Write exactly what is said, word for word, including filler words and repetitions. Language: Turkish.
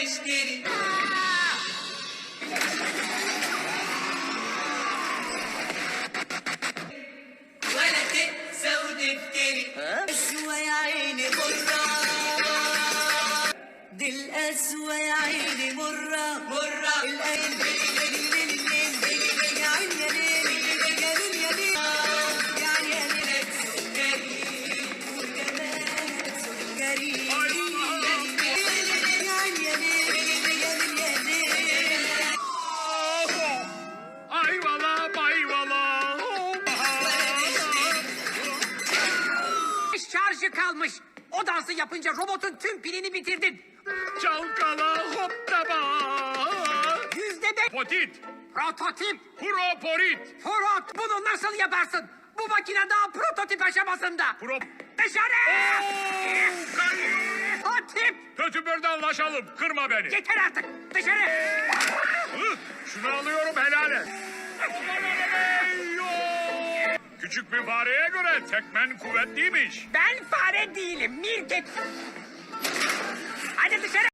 اشتري ولا تنسى وتفتري القسوة يا عيني مرة دي القسوة يا عيني مرة مرة القلب يا عيني يا ليل يا ليل يا ليل يا عيني يا ليل سكري وكمان سكري يا عيني يا ليل يا ليل يا ليل Ayvala bayvala. Şarjı kalmış. O dansı yapınca robotun tüm pilini bitirdin. Çalkala hoppaba. Yüzde beş. Potit. Prototip. Proporit. Forot. Bunu nasıl yaparsın? Bu makine daha prototip aşamasında. Pro... Dışarı. Kay- Prototip. Kötü birden anlaşalım. Kırma beni. Yeter artık. Dışarı. Hı, şunu alıyorum helal et. Küçük bir fareye göre tekmen kuvvetliymiş. Ben fare değilim. Mirket. Hadi dışarı.